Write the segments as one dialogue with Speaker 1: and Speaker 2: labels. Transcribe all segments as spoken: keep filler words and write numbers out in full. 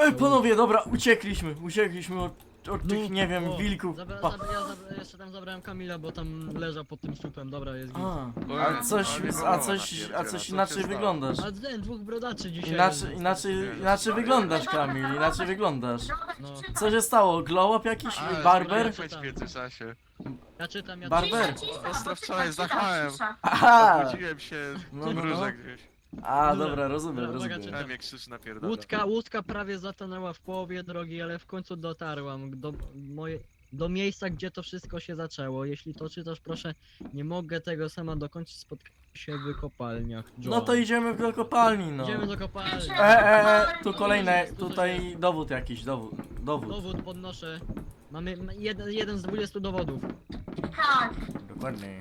Speaker 1: Ej, panowie, dobra, uciekliśmy, uciekliśmy od, od
Speaker 2: No,
Speaker 1: tych, nie wiem,
Speaker 2: o,
Speaker 1: wilków.
Speaker 2: Zabra,
Speaker 1: Pa.
Speaker 2: zabra, ja zabra, jeszcze tam zabrałem Kamila, bo tam leżał pod tym słupem, dobra, jest git.
Speaker 1: A, a coś, a coś, a coś inaczej wyglądasz.
Speaker 2: A ten, dwóch brodaczy dzisiaj.
Speaker 1: Inaczej,
Speaker 2: jest.
Speaker 1: inaczej, inaczej wyglądasz, Kamil, inaczej wyglądasz.
Speaker 2: No.
Speaker 1: Co się stało? Glow up jakiś?
Speaker 3: Ale
Speaker 1: Barber?
Speaker 3: słuchaj, w międzyczasie.
Speaker 2: Ja czytam, ja
Speaker 1: Barber.
Speaker 2: czytam.
Speaker 3: Ostro wczoraj zachałem.
Speaker 1: Aha!
Speaker 3: Obudziłem się
Speaker 1: No,
Speaker 3: w
Speaker 1: no,
Speaker 3: róże
Speaker 1: no.
Speaker 3: gdzieś.
Speaker 1: A,
Speaker 2: Dobra,
Speaker 1: dobra, rozumiem,
Speaker 2: dobra, uwaga,
Speaker 1: rozumiem.
Speaker 3: Chciałem jak krzyż napierdala.
Speaker 2: Łódka, łódka prawie zatonęła w połowie drogi, ale w końcu dotarłam do, moje, do miejsca, gdzie to wszystko się zaczęło. Jeśli to czytasz, proszę, nie mogę tego sama dokończyć, spotkać się w kopalniach. John.
Speaker 1: No to idziemy do kopalni, no.
Speaker 2: Idziemy do kopalni.
Speaker 1: E, e, e, tu kolejne, tutaj dowód jakiś, dowód, dowód.
Speaker 2: Dowód podnoszę. Mamy ma- jeden, jeden z dwudziestu dowodów.
Speaker 4: Tak.
Speaker 1: Dokładnie.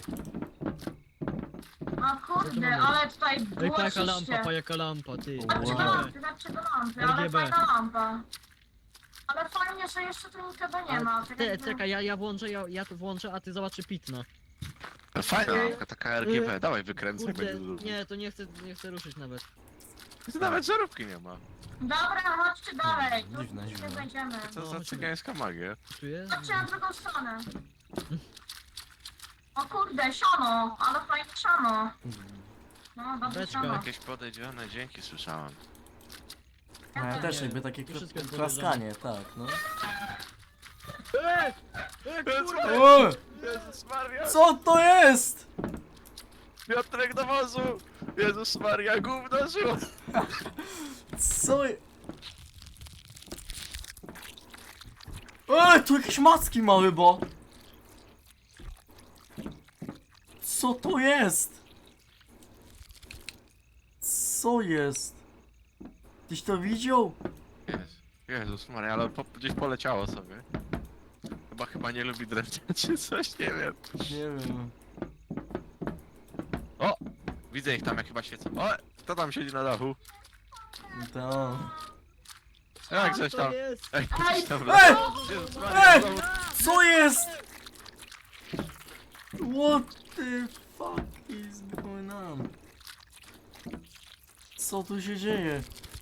Speaker 4: A kurde, ale tutaj
Speaker 2: Ej,
Speaker 4: było
Speaker 2: pajaka lampa,
Speaker 4: czyście.
Speaker 2: pajaka lampa, ty.
Speaker 4: Dlaczego
Speaker 1: Wow.
Speaker 4: lampy, dlaczego lampy, ale
Speaker 2: R G B.
Speaker 4: fajna lampa. Ale fajnie, że jeszcze tu nikogo nie ma. tak
Speaker 2: Ty,
Speaker 4: jakby-
Speaker 2: czekaj, ja, ja włączę, ja, ja tu włączę, a ty zobaczy pitna.
Speaker 3: Fajna lampka, taka R G B, dawaj wykręcaj,
Speaker 2: Kurde,
Speaker 3: będzie dużo.
Speaker 2: nie, to nie chcę, nie chcę ruszyć nawet.
Speaker 3: Tu nawet żarówki nie ma.
Speaker 4: Dobra, chodźcie dalej. Tu
Speaker 1: Dziwne,
Speaker 4: nie
Speaker 1: dziwne.
Speaker 4: będziemy.
Speaker 3: Co
Speaker 2: No,
Speaker 3: za
Speaker 2: chodźmy.
Speaker 3: cygańska magia?
Speaker 2: Tu jest?
Speaker 4: Chodźcie na drugą stronę. O kurde, siano, ale fajne siano. No, dobrze
Speaker 2: Beczka.
Speaker 4: siano.
Speaker 3: Jakieś podejrzane dźwięki słyszałem.
Speaker 1: A ja też
Speaker 2: Nie,
Speaker 1: jakby takie
Speaker 2: to wszystko jest
Speaker 1: klaskanie, tak, no.
Speaker 2: Ej! Ej, kurwa!
Speaker 1: O!
Speaker 3: Jezus Maria!
Speaker 1: Co to jest?
Speaker 3: Piotrek do wozu! Jezus Maria, gówno żyło!
Speaker 1: Co je... Ej, tu jakieś macki małe, bo... Co to jest? Co jest? Tyś to widział?
Speaker 3: Jezus, Jezus Maria, ale po, gdzieś poleciało sobie. Chyba chyba nie lubi drewna czy coś, nie wiem.
Speaker 1: Nie wiem.
Speaker 3: O! Widzę ich tam jak chyba świecą. O! Kto tam siedzi na dachu?
Speaker 1: To...
Speaker 3: Jak coś
Speaker 2: Co
Speaker 3: tam?
Speaker 2: jest?
Speaker 3: Ej,
Speaker 4: Ej!
Speaker 3: coś tam
Speaker 1: Ej!
Speaker 3: Jezus
Speaker 1: Ej!
Speaker 3: Maria, znowu...
Speaker 1: Co jest? What the fuck is going on? Co tu się dzieje?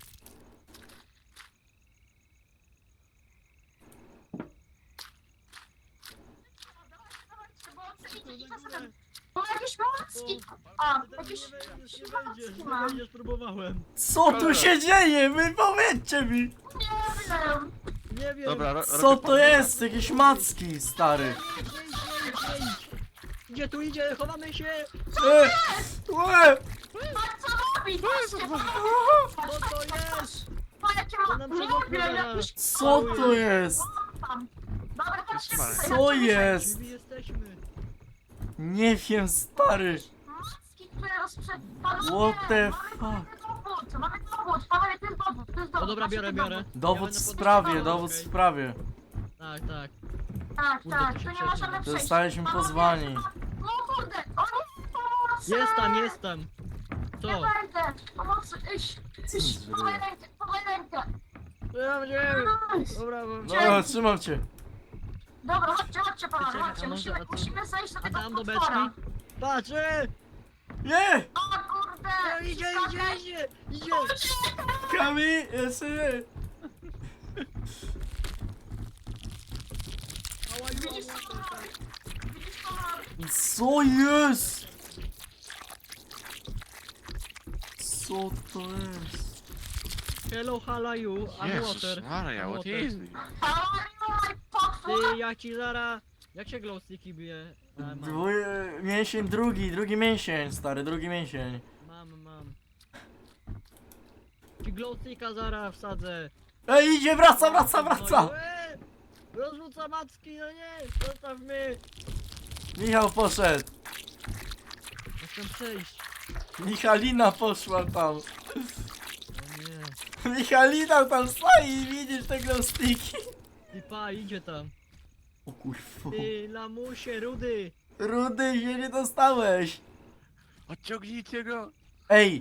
Speaker 4: Bo jakieś macki. A, jakieś...
Speaker 2: Nie wejdziesz, nie wejdziesz, próbowałem.
Speaker 1: Co tu się dzieje? Wy powiedzcie mi!
Speaker 4: Nie wiem.
Speaker 2: Nie wiem.
Speaker 3: Dobra, ro,
Speaker 1: Co
Speaker 3: robię
Speaker 1: to
Speaker 3: po-
Speaker 1: jest? Jakieś macki, stary.
Speaker 2: Idź, idź, idź. Gdzie tu idzie? Chowamy się!
Speaker 1: E, łe,
Speaker 4: Patrz co robi, patrzcie, co robi.
Speaker 2: Co to jest?
Speaker 4: Pa, jakie
Speaker 2: To
Speaker 4: ma...
Speaker 2: nam
Speaker 4: Nie
Speaker 2: przewodnie
Speaker 4: wiem,
Speaker 2: zaraz.
Speaker 4: jakieś...
Speaker 1: co to jest?
Speaker 4: tam. Dobra, chodźcie
Speaker 3: Jest
Speaker 4: tutaj,
Speaker 1: Co
Speaker 4: chodźcie
Speaker 1: jest?
Speaker 2: Gdzie my jesteśmy?
Speaker 1: Nie wiem, stary.
Speaker 4: Macki, które rozprzed... Panowie,
Speaker 1: What the
Speaker 4: mamy dowód, mamy dowód, panowie, to jest dowód, to jest dowód.
Speaker 2: No dobra,
Speaker 4: macie
Speaker 2: biorę,
Speaker 4: ten
Speaker 2: biorę.
Speaker 1: Dowód
Speaker 2: Ja
Speaker 1: w
Speaker 2: będę
Speaker 1: sprawie,
Speaker 2: podnoszony,
Speaker 1: dowód w
Speaker 2: okej?
Speaker 1: sprawie.
Speaker 2: Tak, tak.
Speaker 4: Tak,
Speaker 2: Kurde,
Speaker 4: tak,
Speaker 2: to się
Speaker 4: tu nie
Speaker 2: przejdzie.
Speaker 4: możemy przejść.
Speaker 1: Zostaliśmy
Speaker 4: Panowie,
Speaker 1: pozwani.
Speaker 4: No kurde, o nie, pomocy!
Speaker 2: Jest tam, jest tam.
Speaker 4: Nie
Speaker 2: Co?
Speaker 4: będę, pomocy, iść, iść,
Speaker 1: Zrywa.
Speaker 4: podaj rękę, podaj rękę.
Speaker 2: Ja wiem.
Speaker 4: Nice.
Speaker 2: Dobra, bo...
Speaker 1: No, trzymam cię.
Speaker 4: Dobra, chodźcie, chodźcie panowie,
Speaker 2: Czekaj,
Speaker 4: chodźcie,
Speaker 2: a może-
Speaker 4: musimy,
Speaker 2: a to-
Speaker 4: musimy zejść do
Speaker 2: A
Speaker 4: tego
Speaker 2: tam do
Speaker 4: potwora.
Speaker 2: beczki? Patrz! e!
Speaker 1: Nie!
Speaker 4: O kurde!
Speaker 2: No, idzie, idzie, idzie! Idzie!
Speaker 1: Kami, jeszcze nie.
Speaker 2: Ała,
Speaker 4: Widzisz
Speaker 2: ała,
Speaker 4: to?
Speaker 2: ała.
Speaker 4: Widzisz to?
Speaker 1: Co jest? Co to jest?
Speaker 2: Hello, how you? I'm
Speaker 3: Jezus
Speaker 2: water.
Speaker 3: Maria,
Speaker 2: I'm
Speaker 3: what
Speaker 2: water.
Speaker 3: is this?
Speaker 4: Oj, potwór!
Speaker 2: Ty, ja ci zara... Jak się glowsticki bije? A, mam,
Speaker 1: Dwój... Mięsień drugi, drugi mięsień, stary, drugi mięsień.
Speaker 2: mam, mam. Ci glowsticka zara wsadzę.
Speaker 1: Ej, idzie, wraca, wraca, wraca!
Speaker 2: No, e! Rozrzuca macki, no nie! Zostaw mnie!
Speaker 1: Michał poszedł.
Speaker 2: Chcę przejść.
Speaker 1: Michalina poszła tam.
Speaker 2: O nie.
Speaker 1: Michalina tam stoi i widzisz te glowsticki.
Speaker 2: Ty pa, idzie tam.
Speaker 1: O kurwa.
Speaker 2: Ty, lamusie, rudy!
Speaker 1: Rudy się nie dostałeś.
Speaker 3: Odciągnijcie go!
Speaker 1: Ej.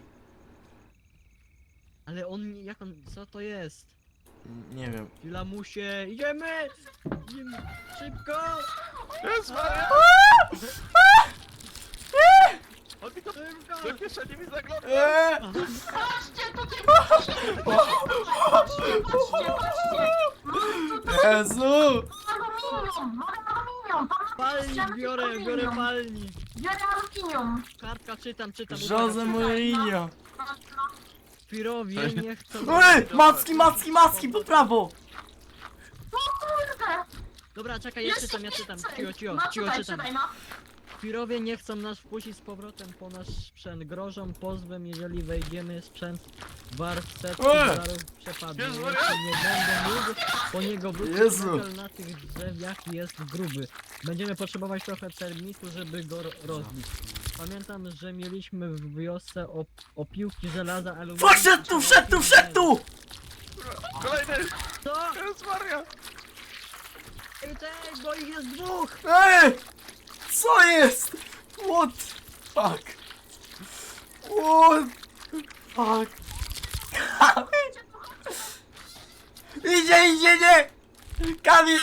Speaker 2: Ale on, jak on, co to jest?
Speaker 1: Nie wiem.
Speaker 2: Ty, lamusie, idziemy! Idziemy, szybko!
Speaker 3: Jezus Maria! On mi to
Speaker 2: Szybko!
Speaker 3: do kieszeni mi zagląda!
Speaker 1: Eee!
Speaker 4: Patrzcie, tutaj patrzcie, patrzcie, patrzcie, patrzcie. Mam tutaj
Speaker 1: Jezu!
Speaker 4: aluminium, mam aluminium. Tam
Speaker 2: Palnik biorę, biorę
Speaker 4: aluminium.
Speaker 2: palnik.
Speaker 4: Biorę aluminium.
Speaker 2: Kartka, czytam, czytam.
Speaker 1: Jose Mourinho!
Speaker 4: No, no.
Speaker 2: Pirowie nie chcą...
Speaker 1: Ej! Macki, macki, macki, po prawo!
Speaker 4: O kurde.
Speaker 2: Dobra, czekaj, ja
Speaker 4: Jeszcze
Speaker 2: czytam, ja czytam.
Speaker 4: więcej.
Speaker 2: Cicho, cicho,
Speaker 4: No
Speaker 2: cicho,
Speaker 4: czytaj,
Speaker 2: czytam.
Speaker 4: czytaj, no.
Speaker 2: Pirowie nie chcą nas wpuścić z powrotem po nasz sprzęt. Grożą pozwem, jeżeli wejdziemy sprzęt wart setki
Speaker 1: Ej!
Speaker 2: dolarów przepadnie.
Speaker 3: Jezu,
Speaker 2: Jeśli nie będę mógł po niego wrócić,
Speaker 1: Jezu.
Speaker 2: metal na tych drzewach jest gruby. Będziemy potrzebować trochę termitu, żeby go ro- rozbić. Pamiętam, że mieliśmy w wiosce op opiłki żelaza, ale...
Speaker 1: Wszedł tu, wszedł tu, wszedł tu!
Speaker 3: Kolejny!
Speaker 2: Co?
Speaker 3: Jezus Maria!
Speaker 2: Ej, tej, bo ich jest dwóch!
Speaker 1: Ej! Co jest? What? Fuck. What? Fuck. Kamil! Idzie, idzie, nie! Kamil!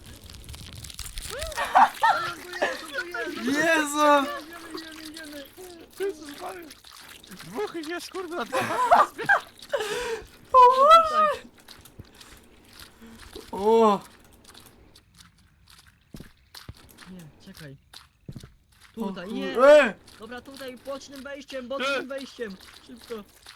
Speaker 1: Jezu!
Speaker 2: Idziemy, idziemy, idziemy!
Speaker 3: Jezus Maria! Dwóch ich jest, kurde, na dwa!
Speaker 2: Tak.
Speaker 1: O!
Speaker 2: Nie, czekaj. Tutaj, nie!
Speaker 1: Ej!
Speaker 2: Dobra, tutaj bocznym wejściem, bocznym wejściem! Szybko!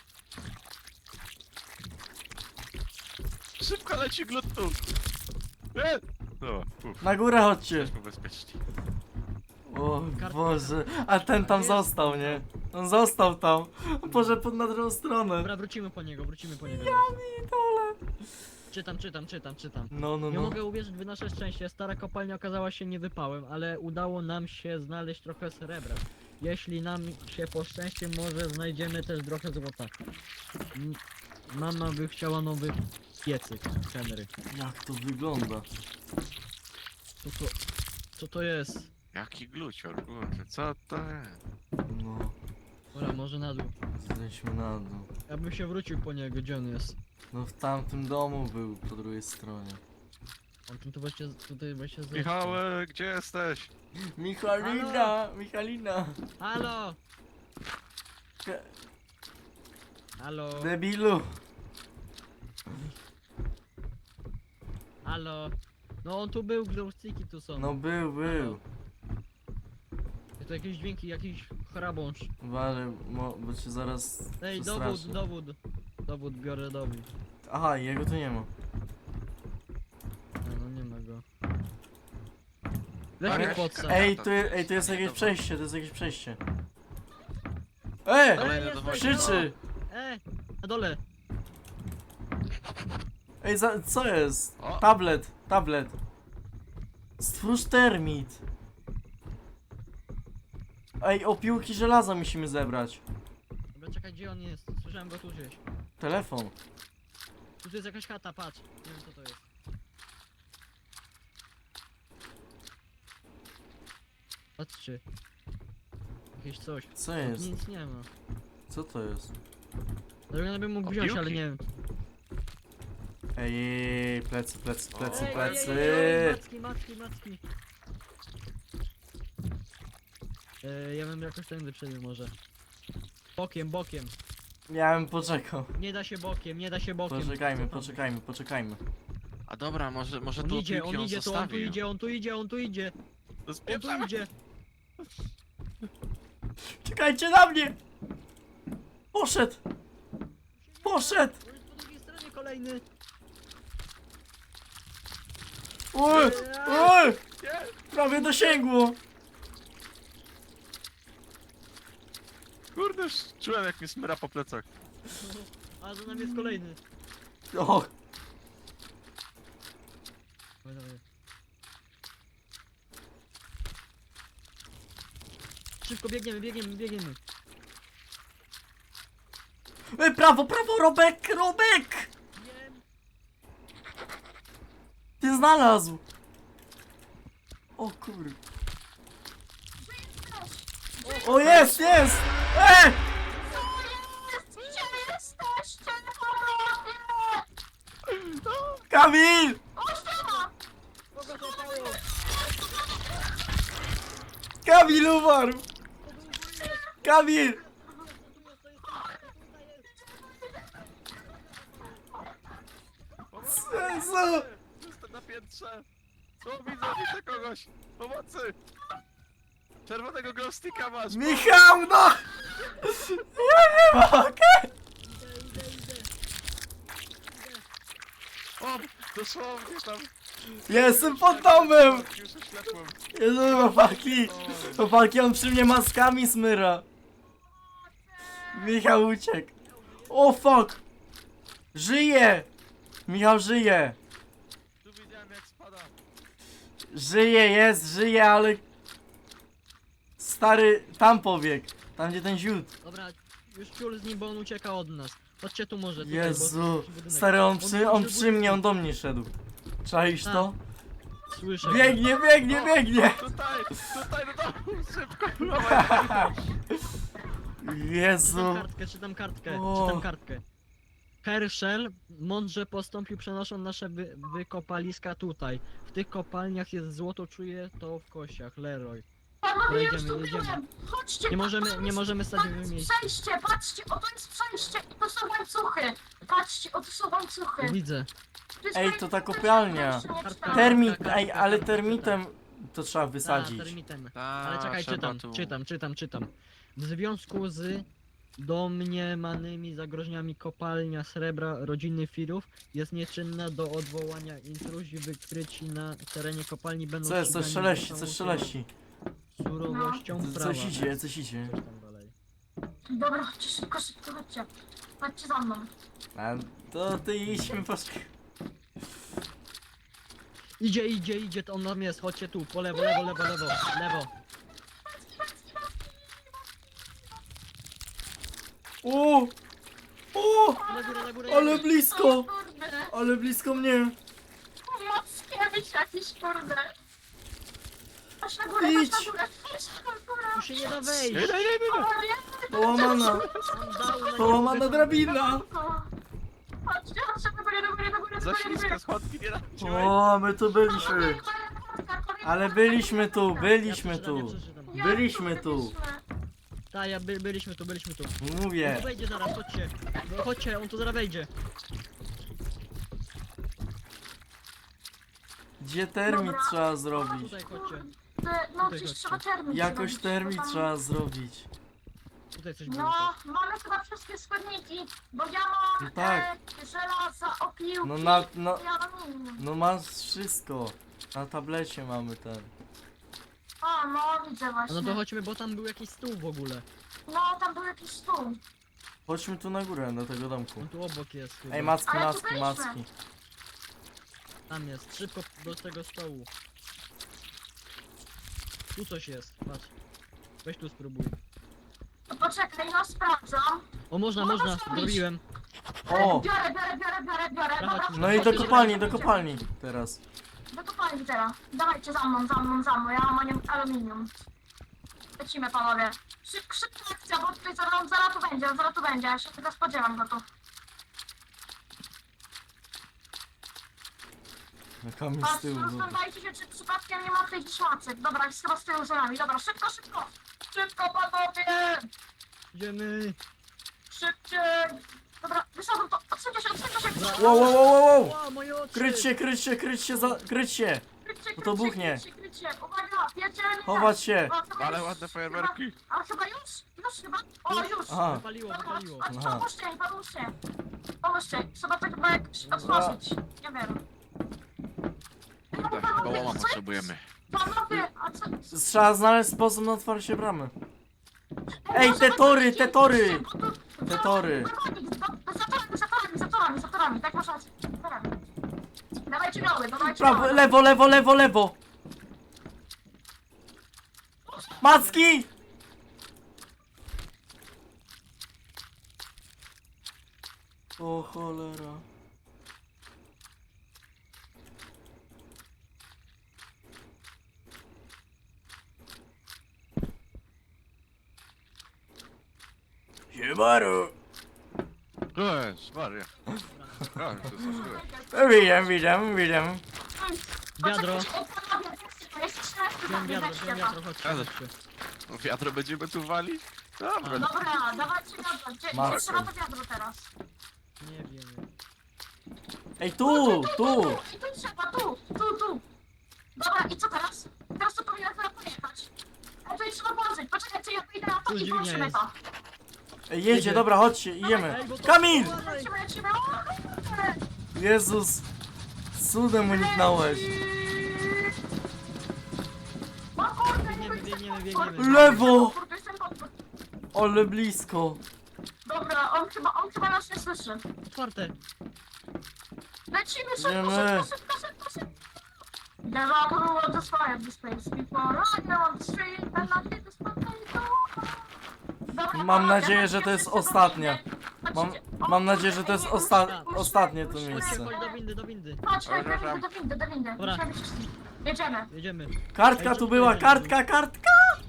Speaker 3: Szybko leci glut tu! E! No, uff,
Speaker 1: Na górę chodźcie!
Speaker 3: jesteśmy bezpieczni.
Speaker 1: O
Speaker 2: Kartka.
Speaker 1: Boże, a ten tam
Speaker 2: Jest.
Speaker 1: został, nie? On został tam. Boże, pod na drugą stronę.
Speaker 2: Dobra, wrócimy po niego, wrócimy po niego.
Speaker 1: Dole.
Speaker 2: Czytam, czytam, czytam, czytam.
Speaker 1: No, no,
Speaker 2: Nie
Speaker 1: no.
Speaker 2: mogę uwierzyć w nasze szczęście, stara kopalnia okazała się niewypałem, ale udało nam się znaleźć trochę srebra. Jeśli nam się poszczęści, może znajdziemy też trochę złota. M- Mama by chciała nowy piecyk, Henry.
Speaker 1: Jak to wygląda?
Speaker 2: Co to, co to jest?
Speaker 3: Jaki glucior, kurde, co to jest?
Speaker 1: No,
Speaker 2: Dobra, może na dół.
Speaker 1: zejdźmy na dół.
Speaker 2: Ja bym się wrócił po niego, gdzie on jest?
Speaker 1: No w tamtym domu był, po drugiej stronie.
Speaker 2: On tu, tu właśnie, tutaj właśnie zeszł.
Speaker 3: Michałek, gdzie jesteś?
Speaker 1: Michalina, Michalina.
Speaker 2: Halo!
Speaker 1: Ke-
Speaker 2: Halo!
Speaker 1: Debilu.
Speaker 2: Halo! No on tu był, glowsticki tu są.
Speaker 1: No był, był.
Speaker 2: To jakieś dźwięki, jakiś chrabąż.
Speaker 1: Uważaj, mo- bo cię zaraz
Speaker 2: Ej,
Speaker 1: przestraszy.
Speaker 2: dowód, dowód. Dowód, biorę dowód.
Speaker 1: Aha, jego tu nie ma.
Speaker 2: A, no nie ma go. Weź
Speaker 3: Ale-
Speaker 2: mnie podsa.
Speaker 1: Ej, tu, je- ej, tu jest jakieś przejście, to jest jakieś przejście. Ej!
Speaker 3: Kolejny
Speaker 2: Ej,
Speaker 3: do
Speaker 2: jesteś,
Speaker 3: wojny.
Speaker 1: Krzyczy!
Speaker 2: E, na dole.
Speaker 1: Ej, za, co jest?
Speaker 3: O.
Speaker 1: Tablet, tablet. Stwórz termit. Ej, opiłki żelaza musimy zebrać.
Speaker 2: Dobra, czekaj, gdzie on jest? Słyszałem go tu gdzieś.
Speaker 1: Telefon.
Speaker 2: Tu jest jakaś chata, patrz. Nie wiem co to jest. Patrzcie. Jakieś coś.
Speaker 1: Co
Speaker 2: Tu
Speaker 1: jest?
Speaker 2: nic nie ma.
Speaker 1: Co to jest?
Speaker 2: Drogana bym mógł wziąć, ale
Speaker 3: Opiłki?
Speaker 2: nie wiem.
Speaker 1: Ej, ej, ej, plecy, plecy, plecy,
Speaker 2: Ej,
Speaker 1: plecy.
Speaker 2: ej, ej, ej, Macki, macki, macki. E, ja bym jakoś tędy przebił może. Bokiem, bokiem.
Speaker 1: Ja bym poczekał.
Speaker 2: Nie da się bokiem, nie da się bokiem.
Speaker 1: Poczekajmy,
Speaker 2: Co tam?
Speaker 1: poczekajmy, poczekajmy.
Speaker 3: A dobra, może, może
Speaker 2: On
Speaker 3: tu
Speaker 2: idzie,
Speaker 3: opiłki
Speaker 2: on idzie, tu, on tu
Speaker 3: zostawił.
Speaker 2: idzie, on tu idzie, on tu idzie.
Speaker 3: To
Speaker 2: On tu
Speaker 3: spieprzamy.
Speaker 2: idzie.
Speaker 1: Czekajcie na mnie! Poszedł! Poszedł!
Speaker 2: On jest po drugiej stronie kolejny.
Speaker 1: Oj! Oj!
Speaker 3: Nie,
Speaker 1: Prawie dosięgło!
Speaker 3: kurde, już czułem jak mi smyra po plecach.
Speaker 2: A za nami jest kolejny.
Speaker 1: O!
Speaker 2: Dawaj, dawaj. Szybko biegniemy, biegniemy, biegniemy.
Speaker 1: Ej, prawo, prawo, Robek, Robek!
Speaker 2: Wiem.
Speaker 1: Ty znalazł! O kur... O, jest, jest! Ej!
Speaker 4: Gdzie jesteście? Pomocy!
Speaker 1: Kamil!
Speaker 4: O, siema!
Speaker 2: Kogo złapało?
Speaker 1: Kamil umarł!
Speaker 2: To był wuj-
Speaker 1: Kamil! Jezu!
Speaker 3: Jestem na piętrze! Co widzę? Widzę kogoś! Pomocy! Czerwonego glowsticka masz!
Speaker 1: Michał, no! Ja nie mogę!
Speaker 2: Idę, idę, idę.
Speaker 3: O! Dosłownie tam!
Speaker 1: Jestem pod domem!
Speaker 3: Już oślepłem!
Speaker 1: Jezu, chłopaki! Chłopaki, on przy mnie maskami smyra. Michał uciekł. O fuck! Żyje! Michał żyje!
Speaker 3: Tu widziałem jak spada!
Speaker 1: Żyje, jest, żyje, ale... Stary, tam pobiegł. Tam gdzie ten ziód.
Speaker 2: Dobra, już ciul z nim, bo on ucieka od nas. Chodźcie tu może, tutaj,
Speaker 1: Jezu.
Speaker 2: bo to jest budynek.
Speaker 1: Stary, on przy, on
Speaker 2: może
Speaker 1: przy mnie, on do mnie szedł. Czaisz to?
Speaker 2: Słyszę.
Speaker 1: Biegnie, biegnie, biegnie!
Speaker 3: Tutaj! Tutaj do domu! Szybko! Dawaj.
Speaker 2: Czytam
Speaker 1: Jezu.
Speaker 2: kartkę, czytam kartkę,
Speaker 1: O.
Speaker 2: czytam kartkę. Herschel mądrze postąpił, przenosząc nasze wy wykopaliska tutaj. W tych kopalniach jest złoto, czuję to w kościach. Leroy.
Speaker 4: Panowie, już
Speaker 2: Jedziemy,
Speaker 4: tu
Speaker 2: jedziemy.
Speaker 4: byłem. Chodźcie,
Speaker 2: Nie możemy,
Speaker 4: patrzcie,
Speaker 2: nie możemy stać
Speaker 4: to
Speaker 2: w
Speaker 4: jest
Speaker 2: miejscu.
Speaker 4: przejście, patrzcie, o to jest przejście i to są łańcuchy. Patrzcie, o to są łańcuchy.
Speaker 2: Widzę.
Speaker 4: To jest
Speaker 1: Ej,
Speaker 4: fajne
Speaker 1: to ta
Speaker 4: przejście,
Speaker 1: kopialnia.
Speaker 4: to jeszcze nie czytałem.
Speaker 1: Termit,
Speaker 2: Kartka,
Speaker 1: ej,
Speaker 2: kartka,
Speaker 1: ale
Speaker 2: kartka,
Speaker 1: termitem to trzeba
Speaker 2: A,
Speaker 1: wysadzić.
Speaker 2: termitem.
Speaker 3: Ta,
Speaker 2: Ale czekaj,
Speaker 3: trzeba
Speaker 2: czytam,
Speaker 3: tu.
Speaker 2: czytam, czytam, czytam. W związku z domniemanymi zagrożeniami kopalnia srebra rodziny Firów jest nieczynna do odwołania intruzji wykryci na terenie kopalni będą
Speaker 1: Co jest, coś
Speaker 2: ścigani
Speaker 1: szeleści,
Speaker 2: za
Speaker 1: coś
Speaker 2: całą
Speaker 1: szeleści.
Speaker 2: surowością
Speaker 1: Co-
Speaker 2: prawa.
Speaker 1: Coś idzie, coś idzie.
Speaker 2: Coś tam dalej.
Speaker 4: Dobra, chodźcie szybko, szybko, chodźcie. Chodźcie za mną.
Speaker 1: A to ty idźmy po sk-
Speaker 2: Idzie, idzie, idzie, to on tam jest, chodźcie tu, po lewo, lewo, lewo, lewo, lewo.
Speaker 1: O! O!
Speaker 2: Na górę, na górę,
Speaker 1: Ale
Speaker 2: jedziesz.
Speaker 1: blisko!
Speaker 4: O kurde,
Speaker 1: Ale blisko mnie!
Speaker 4: Mackiewicz jakiś, kurde. Chodź na górę, chodź
Speaker 1: Idź.
Speaker 4: na górę, chodź na górę.
Speaker 2: Tu się nie da
Speaker 3: Nie,
Speaker 2: wejść.
Speaker 3: nie, nie, nie!
Speaker 4: O, nie,
Speaker 1: Połamana!
Speaker 2: On dał na
Speaker 1: Połamana
Speaker 2: niego
Speaker 1: drabina!
Speaker 4: Chodźcie, chodźcie do góry, do góry, do góry, do
Speaker 3: Za
Speaker 4: góry, do góry.
Speaker 3: ślisko schodki nie dam
Speaker 1: O, my tu byliśmy! Ale byliśmy tu, byliśmy
Speaker 2: Ja przeczytam, ja
Speaker 1: tu!
Speaker 2: przeczytam.
Speaker 1: Byliśmy tu!
Speaker 2: Tak, ja by, byliśmy tu, byliśmy tu. On
Speaker 1: Mówię!
Speaker 2: tu wejdzie zaraz, chodźcie. No, chodźcie, on tu zaraz wejdzie.
Speaker 1: Gdzie termit
Speaker 4: Dobra.
Speaker 1: trzeba zrobić?
Speaker 2: Tutaj chodźcie.
Speaker 4: No,
Speaker 2: Tutaj
Speaker 4: gdzieś
Speaker 2: chodźcie.
Speaker 4: trzeba termin
Speaker 1: Jakoś
Speaker 4: zrobić,
Speaker 1: termit
Speaker 4: bo tam-
Speaker 1: trzeba zrobić.
Speaker 2: Tutaj coś było.
Speaker 4: No, mamy chyba wszystkie składniki, bo ja mam
Speaker 1: No tak.
Speaker 4: e, żelaza, opiłki
Speaker 1: No na, no,
Speaker 4: i aluminium.
Speaker 1: no masz wszystko. Na tablecie mamy ten.
Speaker 4: O, no widzę właśnie.
Speaker 2: No to chodźmy, bo tam był jakiś stół w ogóle.
Speaker 4: No, tam był jakiś stół.
Speaker 1: Chodźmy tu na górę, do tego domku.
Speaker 2: On tu obok jest chyba.
Speaker 1: Ej, macki,
Speaker 4: Ale tu
Speaker 1: macki,
Speaker 4: byliśmy.
Speaker 1: macki.
Speaker 2: Tam jest, szybko do tego stołu. Tu coś jest, patrz. Weź tu spróbuj.
Speaker 4: To poczekaj, no sprawdzam.
Speaker 2: O, można,
Speaker 4: Można
Speaker 2: można,
Speaker 4: zrobić.
Speaker 2: zrobiłem.
Speaker 1: O!
Speaker 4: Biorę, biorę, biorę, biorę, biorę.
Speaker 2: Dobra,
Speaker 4: Dobra,
Speaker 2: chodź.
Speaker 1: No i do
Speaker 4: chodźcie,
Speaker 1: kopalni, do
Speaker 4: chodźcie.
Speaker 1: kopalni teraz.
Speaker 4: Do kopalni teraz. Dawajcie za mną, za mną, za mną. Ja mam anim- aluminium. Lecimy, panowie. Szyb, szybka akcja, bo tutaj zaraz, zaraz tu będzie, zaraz tu będzie. Ja się tylko spodziewam go tu.
Speaker 1: Na kamień z
Speaker 4: Patrz,
Speaker 1: tyłu. dobra.
Speaker 4: rozglądajcie się, czy przypadkiem nie ma tych szmacek. Dobra, jest chyba z tyłu za nami. Dobra, szybko, szybko. Szybko, panowie!
Speaker 2: Idziemy.
Speaker 4: Szybciej! Dobra, wyszedłem to. Odsuńcie się, odsuńcie się.
Speaker 1: Wow, wow, wow, wow, wow!
Speaker 2: O, moje oczy!
Speaker 1: Kryć się, kryć się, kryć się, za... kryć się!
Speaker 4: Krycie,
Speaker 1: Bo to
Speaker 4: krycie,
Speaker 1: buchnie.
Speaker 4: krycie, krycie. Uwaga, pierdzielnie.
Speaker 1: Chować się!
Speaker 4: O, chyba
Speaker 3: Ale
Speaker 4: już-
Speaker 3: ładne fajerwerki!
Speaker 4: Chyba, a chyba już? Już chyba? O, już!
Speaker 1: Aha.
Speaker 2: Wypaliło,
Speaker 4: Dobra,
Speaker 2: wypaliło.
Speaker 4: chodź,
Speaker 1: Aha.
Speaker 4: pomóżcie mi, pomóżcie. Pomóżcie, trzeba tak chyba jak otworzyć. Nie wiem.
Speaker 3: Kurde, chyba łoma potrzebujemy.
Speaker 4: Panowie, a co?
Speaker 1: Trzeba znaleźć sposób na otwarcie bramy. Ej,
Speaker 4: może
Speaker 1: te
Speaker 4: to
Speaker 1: tory,
Speaker 4: jest
Speaker 1: te tory!
Speaker 4: bo tu-
Speaker 1: Te tory.
Speaker 4: Za torami, za torami, za torami, za torami, tak masz rację. Za torami. Dawajcie gały, dawajcie
Speaker 1: Prawo,
Speaker 4: gały.
Speaker 1: lewo, lewo, lewo, lewo! Macki! O cholera. Siemaru!
Speaker 3: Cześć, Maria. A, to jest
Speaker 1: Witam, witam, witam.
Speaker 2: Wiadro.
Speaker 4: Poczekajcie, o, panowie, jak się- jest trzynaście
Speaker 2: Wziąłem wiadro,
Speaker 4: weźcie
Speaker 2: wziąłem
Speaker 4: to.
Speaker 2: wiadro, chodźcie,
Speaker 3: Ale-
Speaker 2: chodźcie.
Speaker 3: Wiadro będziemy tu walić? Dobra,
Speaker 4: Dobra, dawajcie wiadro. Gdzie,
Speaker 1: Marcel.
Speaker 4: gdzie trzeba to wiadro teraz?
Speaker 2: Nie wiem.
Speaker 1: Ej, tu, tu!
Speaker 4: I tu trzeba, tu, tu, tu. Dobra, i co teraz? Teraz to powinno teraz pojechać. A tutaj trzeba włożyć. Poczekajcie, ja wyjdę na to
Speaker 2: Tu
Speaker 4: i
Speaker 2: dźwignia
Speaker 4: włączymy
Speaker 2: jest.
Speaker 4: to.
Speaker 1: Ej, jedzie,
Speaker 2: Jedzie.
Speaker 1: dobra, chodźcie, idziemy.
Speaker 2: Ej, bo to-
Speaker 1: Kamil!
Speaker 4: Lecimy, lecimy. O,
Speaker 1: Jezus! Cudem uniknąłeś.
Speaker 4: O kurde, nie
Speaker 2: Biegniemy,
Speaker 4: wiem,
Speaker 2: biegniemy,
Speaker 4: co-
Speaker 2: biegniemy.
Speaker 1: Lewo!
Speaker 4: Kurde, jestem pod-
Speaker 1: Ale blisko.
Speaker 4: Dobra, on chyba, on chyba nas nie słyszy.
Speaker 2: Otwarte.
Speaker 4: Lecimy szybko,
Speaker 1: Idziemy.
Speaker 4: szybko, szybko, szybko, szybko. Never who want to fire this place before I go on the street and I hit this potato. Dobra,
Speaker 1: Mam
Speaker 4: panowie,
Speaker 1: nadzieję, że to jest
Speaker 4: chodźcie,
Speaker 1: ostatnie.
Speaker 4: chodźcie.
Speaker 1: Mam,
Speaker 4: O,
Speaker 1: mam nadzieję, że to jest osta
Speaker 4: musimy,
Speaker 1: ostatnie to
Speaker 4: musimy,
Speaker 1: miejsce.
Speaker 2: Chodź do windy, do windy.
Speaker 4: Chodź, chodź,
Speaker 3: Dobra,
Speaker 4: do windy, do windy, do windy.
Speaker 2: Dobra.
Speaker 4: Musimy wszyscy. Jedziemy.
Speaker 2: Jedziemy.
Speaker 1: Kartka tu była, kartka, kartka!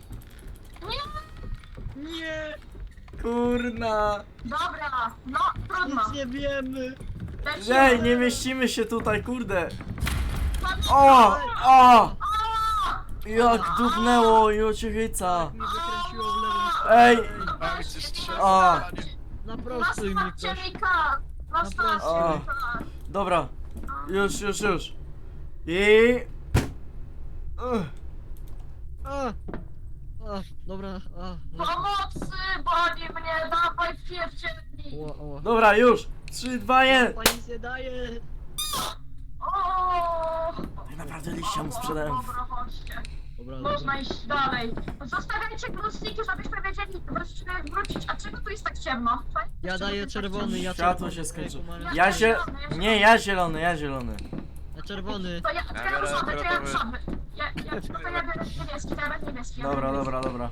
Speaker 4: Nie,
Speaker 2: Nie!
Speaker 1: Kurna.
Speaker 4: dobra, no trudno.
Speaker 2: Nic nie wiemy.
Speaker 4: Lecimy.
Speaker 1: Ej, nie mieścimy się tutaj, kurde.
Speaker 4: Chodź.
Speaker 1: O! O!
Speaker 4: O!
Speaker 1: Jak dupnęło i ociechica.
Speaker 2: Tak mi wykręciło w lewą
Speaker 1: Ej!
Speaker 3: a gdzie strzela?
Speaker 1: A.
Speaker 2: Naprostuj mi
Speaker 4: Nastawcie
Speaker 2: ktoś.
Speaker 4: mi kar. Nastawcie
Speaker 1: A.
Speaker 4: mi kar.
Speaker 1: Dobra, już, już, już. I... Ugh.
Speaker 2: A! A, dobra, a. no.
Speaker 4: Pomocy, boli mnie, dawaj pierdzielni.
Speaker 2: Ło, ło.
Speaker 1: Dobra, już. trzy, dwa, jeden.
Speaker 2: Pani się daje.
Speaker 4: O!
Speaker 1: Ej, naprawdę liścia mu sprzedałem.
Speaker 4: Dobra, chodźcie.
Speaker 2: Dobra,
Speaker 4: Można
Speaker 2: dobra.
Speaker 4: iść dalej. Zostawiajcie grusniki, żebyśmy wiedzieli wrócić- wrócić. A czego tu jest tak ciemno? Fajnie,
Speaker 2: Ja
Speaker 4: czego tu
Speaker 2: daję
Speaker 4: jest tak
Speaker 2: czerwony, ja
Speaker 1: Światło
Speaker 2: czerwony.
Speaker 1: się skończyło.
Speaker 2: Ej, kumara.
Speaker 1: Ja się... Nie, ja zielony, ja zielony.
Speaker 2: Ja czerwony.
Speaker 4: To ja, to ja
Speaker 3: biorę
Speaker 4: różowy, to ja
Speaker 3: fioletowy.
Speaker 4: różowy. Ja, ja, to ja biorę niebieski, to ja biorę niebieski. ja
Speaker 1: Dobra,
Speaker 4: biorę
Speaker 1: dobra, dobra.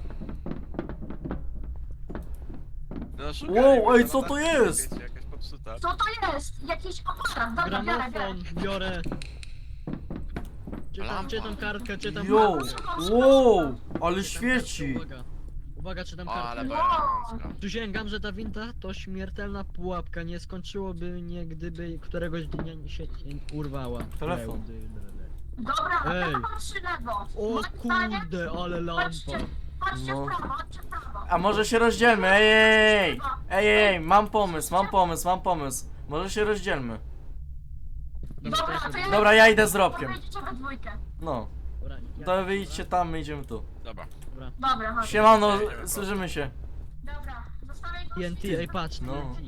Speaker 3: No, szukaj,
Speaker 1: Wow,
Speaker 3: bo
Speaker 1: ej,
Speaker 3: to
Speaker 1: co
Speaker 3: na
Speaker 1: to
Speaker 3: tacy,
Speaker 1: jest?
Speaker 3: wiecie, Jakaś popsuta.
Speaker 4: Co to jest? Jakiś aparat. Dobra, biorę, biorę.
Speaker 2: Gramofon, biorę. Czytam,
Speaker 3: Lampa.
Speaker 2: czytam kartkę, czytam
Speaker 1: Yo,
Speaker 2: kartkę.
Speaker 1: wow, ale
Speaker 2: Czytam
Speaker 1: świeci.
Speaker 2: kartkę, Uwaga, uwaga, czytam
Speaker 3: O, ale
Speaker 2: kartkę.
Speaker 3: baranowska.
Speaker 2: Przysięgam, że ta winda to śmiertelna pułapka. Nie skończyłoby mnie, gdyby któregoś dnia się nie urwała.
Speaker 1: Telefon.
Speaker 4: Dobra, a
Speaker 2: Ej.
Speaker 4: ja patrzy lewo.
Speaker 2: O
Speaker 4: Moim zdaniem,
Speaker 2: kurde, ale lampa.
Speaker 4: Patrzcie, patrzcie
Speaker 1: No.
Speaker 4: w prawo, patrzcie w prawo.
Speaker 1: A może się rozdzielmy, ej, ej, ej, ej, ej, mam pomysł, mam pomysł, mam pomysł. Może się rozdzielmy.
Speaker 4: Dobra, to ja...
Speaker 1: Dobra, ja idę z Robkiem.
Speaker 4: Wyjdziecie we dwójkę.
Speaker 1: No,
Speaker 2: Dobra, ja-
Speaker 1: to wy idźcie tam, my idziemy tu.
Speaker 3: Dobra.
Speaker 2: Dobra.
Speaker 4: Dobra, chodź.
Speaker 1: Siemano, słyszymy się.
Speaker 4: Dobra, zostawiaj
Speaker 2: T N T, ej patrz,
Speaker 1: No.
Speaker 2: T N T.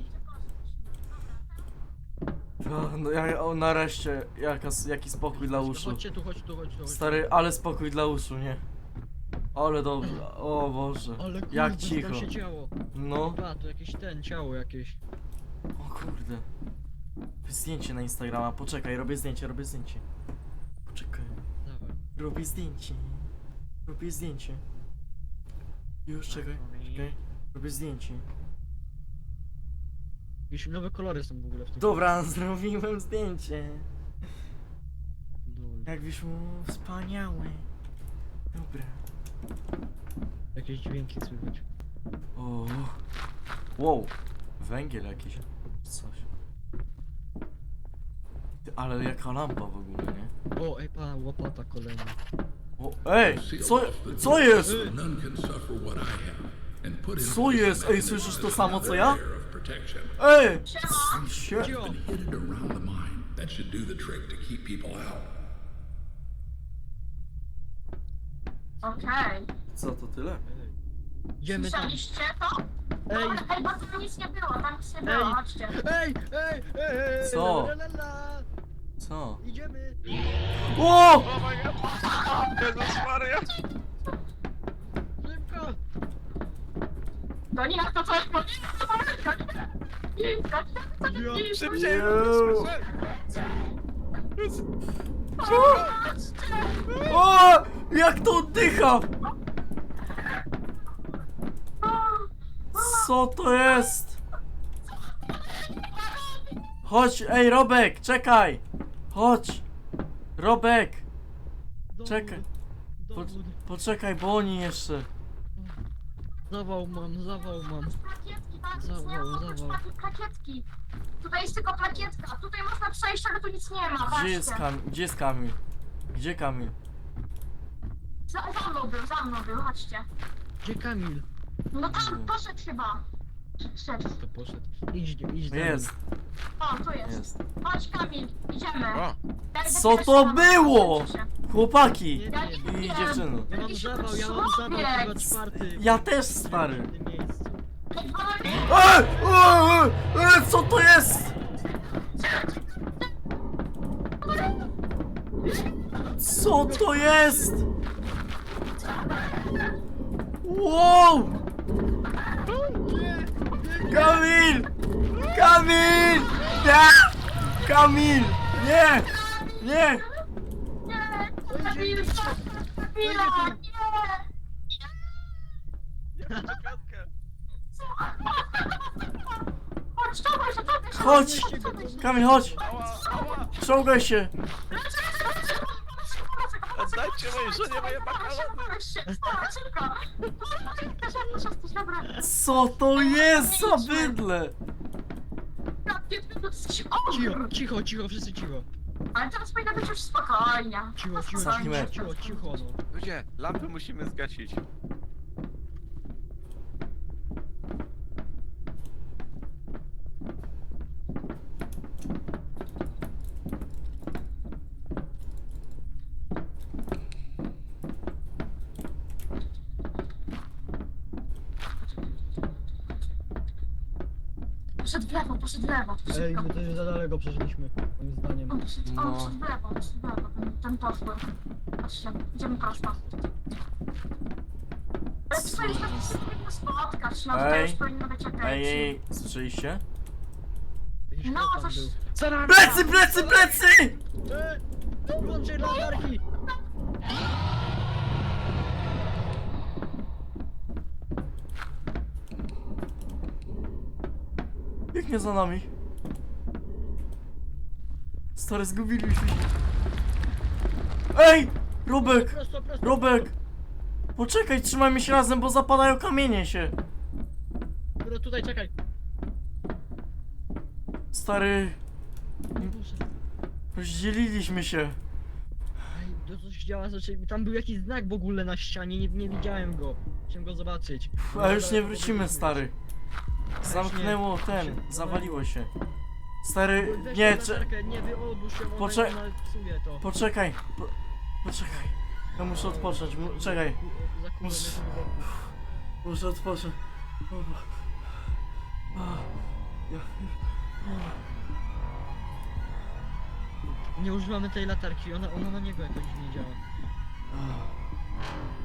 Speaker 1: O, no ja, o, nareszcie, jaka, jaki spokój dla uszu.
Speaker 2: Chodźcie tu, chodź tu, chodź tu. Chodź tu.
Speaker 1: Stary, ale spokój dla uszu, nie? Ale dobrze, o Boże,
Speaker 2: Ale kurde,
Speaker 1: jak
Speaker 2: co
Speaker 1: cicho.
Speaker 2: tam się działo.
Speaker 1: No,
Speaker 2: Chyba, to jakieś ten, ciało jakieś.
Speaker 1: o kurde. Zdjęcie na Instagrama, poczekaj, robię zdjęcie, robię zdjęcie. Poczekaj,
Speaker 2: Dawaj.
Speaker 1: robię zdjęcie. Robię zdjęcie. Już, czekaj, czekaj, robię zdjęcie.
Speaker 2: Jakieś nowe kolory są w ogóle w tym.
Speaker 1: Dobra, zrobiłem zdjęcie.
Speaker 2: Dul.
Speaker 1: Jak wyszło wspaniałe. Dobra.
Speaker 2: Jakieś dźwięki słychać.
Speaker 1: O. Wow. Węgiel jakiś. Coś. Ty, ale jaka lampa w ogóle, nie?
Speaker 2: O, ej pa, łopata kolejna.
Speaker 1: O, ej! Co, co jest?
Speaker 5: None can suffer what I have and put in
Speaker 1: Co
Speaker 5: place
Speaker 1: jest?
Speaker 5: a
Speaker 1: Ej, słyszysz to samo co ja?
Speaker 5: layer of protection.
Speaker 1: Ej!
Speaker 4: Siema.
Speaker 1: Sie-
Speaker 2: Cio!
Speaker 5: Hidden around the mine that should do the trick to keep people out.
Speaker 4: Okej.
Speaker 1: Co to tyle?
Speaker 2: Ej. Idziemy tam.
Speaker 4: Słyszeliście to?
Speaker 2: Ej,
Speaker 4: Dobra, ej, bo tam nic nie było, tam nic nie było,
Speaker 2: Ej.
Speaker 4: chodźcie.
Speaker 2: ej, ej, ej, ej,
Speaker 1: Co?
Speaker 2: la, la, la.
Speaker 1: Co?
Speaker 2: Idziemy.
Speaker 1: O!
Speaker 3: Oh my god! Jezus Maria!
Speaker 2: Szybko.
Speaker 4: No nie, to co? No nie, to pomyłka, nie. Nie, to nie, to nie,
Speaker 2: Ja
Speaker 4: nie.
Speaker 3: Szybciej!
Speaker 1: Jezu.
Speaker 4: Chodźcie.
Speaker 1: O! Jak to oddycha! Co to jest? Chodź, ej Robek, czekaj! Chodź! Robek!
Speaker 2: Dowód.
Speaker 1: Czekaj. Po,
Speaker 2: Dowód.
Speaker 1: poczekaj, bo oni jeszcze.
Speaker 2: Zawał mam, zawał mam.
Speaker 4: Plakietki, tak, nic
Speaker 2: Zawał,
Speaker 4: nie ma, oprócz
Speaker 2: zawał.
Speaker 4: plaki- plakietki. Tutaj jest tylko plakietka, tutaj można przejść, ale tu nic nie ma,
Speaker 1: Gdzie jest
Speaker 4: patrzcie.
Speaker 1: Kamil? Gdzie jest Kamil? Gdzie Kamil?
Speaker 4: Za, za mną był, za mną był, chodźcie.
Speaker 2: Gdzie Kamil?
Speaker 4: No tam poszedł chyba. Szedł.
Speaker 2: To poszedł. Idź, idź za nim.
Speaker 1: Jest,
Speaker 4: O, tu jest.
Speaker 1: jest.
Speaker 4: Chodź Kamil, idziemy.
Speaker 3: O,
Speaker 4: Ja idę
Speaker 1: Co
Speaker 4: pierwszy
Speaker 1: to
Speaker 4: na-
Speaker 1: było?
Speaker 4: Proszę cię.
Speaker 1: Chłopaki
Speaker 2: Nie, nie,
Speaker 1: i
Speaker 4: nie.
Speaker 1: dziewczyny.
Speaker 2: Ja mam
Speaker 4: Jakiś
Speaker 2: zawał, ja mam zawał
Speaker 4: człowiek.
Speaker 2: chyba czwarty.
Speaker 1: Ja też, stary.
Speaker 2: W tym miejscu.
Speaker 4: Ej, panowie,
Speaker 1: Ej, ej, ej, ej, co to jest? Co to jest? Wow! Kamil! Kamil! Nie! Kamil! Nie! Nie!
Speaker 4: nie, Kamil, Kamila, nie. Chodź, czołgaj się, czołgaj się.
Speaker 1: Chodź! Kamil, chodź!
Speaker 3: ała, ała!
Speaker 1: Czołgaj się!
Speaker 3: Oddajcie mojej żonie moje makarony!
Speaker 1: Co to jest za bydle?
Speaker 2: Cicho, cicho, cicho, wszyscy cicho.
Speaker 4: Ale teraz powinno być już spokojnie.
Speaker 2: Cicho, cicho,
Speaker 1: Zamknij
Speaker 2: cicho,
Speaker 1: łeb.
Speaker 2: cicho, cicho, no.
Speaker 3: Ludzie, lampy musimy zgasić.
Speaker 4: Poszedł w lewo, poszedł w lewo.
Speaker 2: Ej,
Speaker 4: Szybko.
Speaker 2: my też za daleko przeszliśmy, moim zdaniem.
Speaker 4: On poszedł, on
Speaker 1: No.
Speaker 4: poszedł w lewo, poszedł w lewo, ten, ten poszły. Patrzcie, idziemy prosto. Ale tu powinniśmy się spotkać, no tutaj
Speaker 1: Ej.
Speaker 4: już powinno być okej.
Speaker 1: Ej, ej, słyszeliście?
Speaker 2: Jakiś
Speaker 4: No,
Speaker 2: chłop tam
Speaker 4: coś...
Speaker 2: był.
Speaker 1: Plecy, plecy, plecy!
Speaker 2: Ej, włączaj latarki!
Speaker 1: Biegnie za nami. Stary, zgubiliśmy się. Ej! Robek!
Speaker 2: Prosto, prosto.
Speaker 1: Robek! Poczekaj, trzymajmy się razem, bo zapadają kamienie się.
Speaker 2: Dobra, tutaj czekaj.
Speaker 1: Stary,
Speaker 2: Boże.
Speaker 1: rozdzieliliśmy się.
Speaker 2: Ej, to coś działa, znaczy tam był jakiś znak w ogóle na ścianie, nie, nie widziałem go. Chciałem go zobaczyć.
Speaker 1: A już nie wrócimy, stary. Zamknęło
Speaker 2: Właśnie,
Speaker 1: ten,
Speaker 2: właśnie,
Speaker 1: zawaliło się. Stary,
Speaker 2: Weź
Speaker 1: nie,
Speaker 2: tą
Speaker 1: cze
Speaker 2: latarkę, nie wyodłóż się, ona
Speaker 1: Poczek-
Speaker 2: ona psuje to.
Speaker 1: poczekaj. Po poczekaj. Ja muszę odpocząć, mu czekaj.
Speaker 2: Za kulą
Speaker 1: Mus-
Speaker 2: jest głęboko.
Speaker 1: Muszę odpocząć. O, bo- a, ja-
Speaker 2: Nie używamy tej latarki, ona, ona na niego jakoś nie działa.
Speaker 1: a.